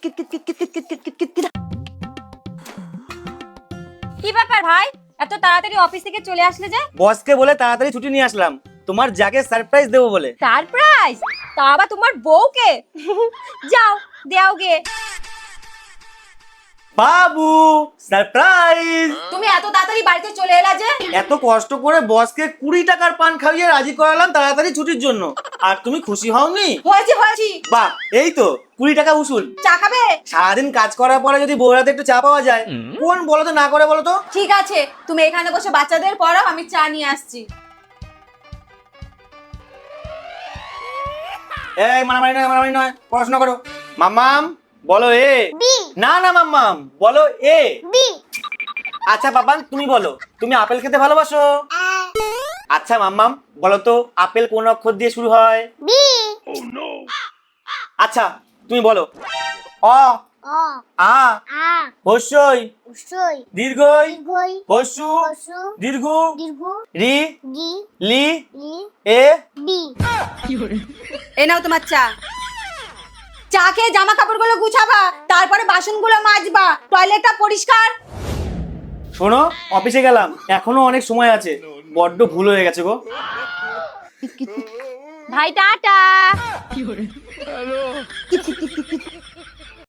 কি ব্যাপার ভাই, এত তাড়াতাড়ি অফিস থেকে চলে আসলে যে? বসকে বলে তাড়াতাড়ি ছুটি নিয়ে আসলাম, তোমার যাকে সারপ্রাইজ দেবো বলে। সারপ্রাইজ? তা আবার তোমার বউকে? যাও দেও গে। বাবু সারপ্রাইজ! তুমি এত তাড়াতাড়ি বাড়িতে চলে এলা যে? এত কষ্ট করে বসকে 20 টাকার পান খাইয়ে রাজি করালাম তাড়াতাড়ি ছুটির জন্য, আর তুমি খুশি হওনি? হয়েছি। বাহ, এই তো 20 টাকা উসুল। চা খাবে? সারাদিন কাজ করার পরে যদি বউরাতে একটু চা পাওয়া যায়, কোন বলো তো না করে বলো তো? ঠিক আছে, তুমি এখানে বসে বাচ্চাদের পড়াও, আমি চা নিয়ে আসছি। এই মারামারি নয়, পড়াশোনা করো। মাম্মাম বলো এ। না মাম্মাম বলো এ। আচ্ছা বাবান তুমি বলো, তুমি আপেল খেতে ভালোবাসো? আচ্ছা মাম্মাম বলো তো, আপেল কোন অক্ষর দিয়ে শুরু হয়? আচ্ছা তুমি বলো, অ আ হস্যই দীর্ঘই হস্যু দীর্ঘ রি লি এ। এ নাও তোমার চা। চা খেয়ে জামা কাপড়গুলো গুছাবা, তারপরে বাসনগুলো মাজবা, টয়লেটটা পরিষ্কার। শোনো, অফিসে গেলাম, এখনো অনেক সময় আছে, বড্ড ভুল হয়ে গেছে গো। ভাই টাটা।